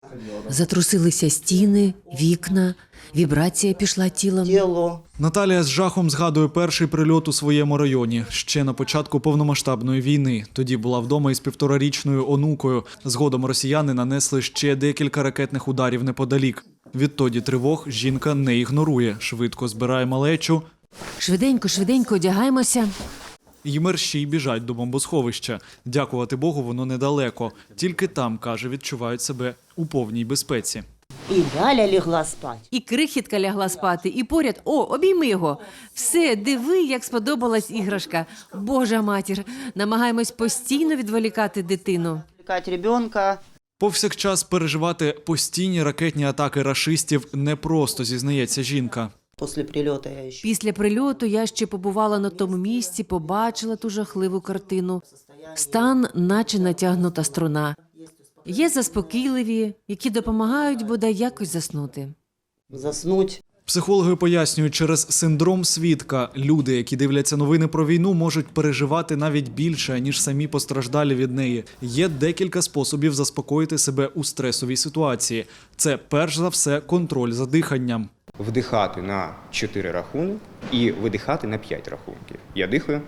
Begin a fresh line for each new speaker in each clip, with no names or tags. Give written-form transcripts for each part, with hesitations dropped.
Затрусилися стіни, вікна, вібрація пішла тілом.
Наталія з жахом згадує перший прильот у своєму районі. Ще на початку повномасштабної війни. Тоді була вдома із 1,5-річною онукою. Згодом росіяни нанесли ще декілька ракетних ударів неподалік. Відтоді тривог жінка не ігнорує. Швидко збирає малечу.
Швиденько одягаємося.
І мерщій біжать до бомбосховища. Дякувати Богу, воно недалеко. Тільки там, каже, відчувають себе у повній безпеці.
І Галя лягла спати.
І крихітка лягла спати, і поряд, обійми його. Все, диви, як сподобалась іграшка. Божа матір, намагаємось постійно відволікати дитину.
Відволікати ребенка.
Повсякчас переживати постійні ракетні атаки рашистів непросто, зізнається жінка.
Після прильоту я ще побувала на тому місці, побачила ту жахливу картину. Стан, наче натягнута струна. Є заспокійливі, які допомагають бодай якось заснути.
Заснуть.
Психологи пояснюють, через синдром свідка люди, які дивляться новини про війну, можуть переживати навіть більше, ніж самі постраждалі від неї. Є декілька способів заспокоїти себе у стресовій ситуації. Це, перш за все, контроль за диханням.
Вдихати на 4 рахунки і видихати на 5 рахунків. Я дихаю,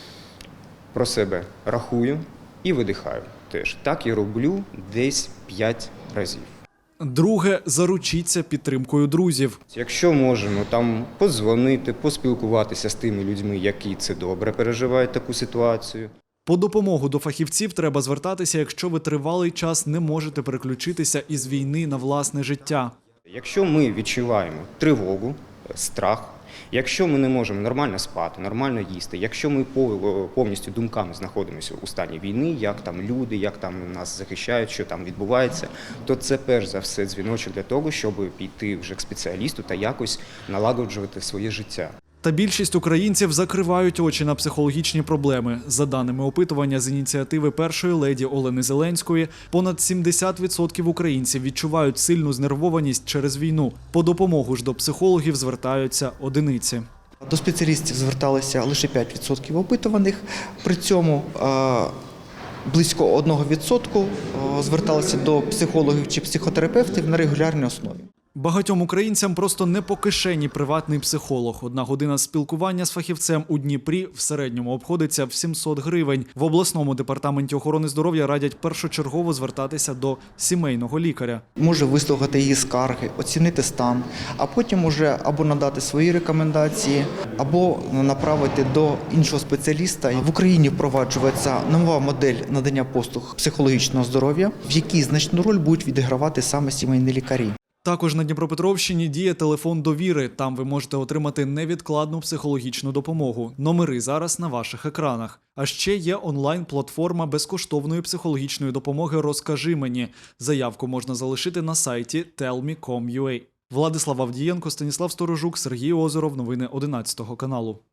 про себе рахую і видихаю теж. Так я роблю десь 5 разів.
Друге – заручіться підтримкою друзів.
Якщо можемо там подзвонити, поспілкуватися з тими людьми, які це добре переживають таку ситуацію.
По допомогу до фахівців треба звертатися, якщо ви тривалий час не можете переключитися із війни на власне життя.
Якщо ми відчуваємо тривогу, страх, якщо ми не можемо нормально спати, нормально їсти, якщо ми повністю думками знаходимося у стані війни, як там люди, як там нас захищають, що там відбувається, то це перш за все дзвіночок для того, щоб піти вже к спеціалісту та якось налагоджувати своє життя.
Та більшість українців закривають очі на психологічні проблеми. За даними опитування з ініціативи першої леді Олени Зеленської, понад 70% українців відчувають сильну знервованість через війну. По допомогу ж до психологів звертаються одиниці.
До спеціалістів зверталися лише 5% опитуваних, при цьому близько 1% зверталися до психологів чи психотерапевтів на регулярній основі.
Багатьом українцям просто не по кишені приватний психолог. 1 година спілкування з фахівцем у Дніпрі в середньому обходиться в 700 гривень. В обласному департаменті охорони здоров'я радять першочергово звертатися до сімейного лікаря.
Може вислухати її скарги, оцінити стан, а потім уже або надати свої рекомендації, або направити до іншого спеціаліста. В Україні впроваджується нова модель надання послуг психологічного здоров'я, в якій значну роль будуть відігравати саме сімейні лікарі.
Також на Дніпропетровщині діє телефон довіри. Там ви можете отримати невідкладну психологічну допомогу. Номери зараз на ваших екранах. А ще є онлайн-платформа безкоштовної психологічної допомоги «Розкажи мені». Заявку можна залишити на сайті tellme.com.ua. Владислав Авдієнко, Станіслав Сторожук, Сергій Озеров. Новини 11 каналу.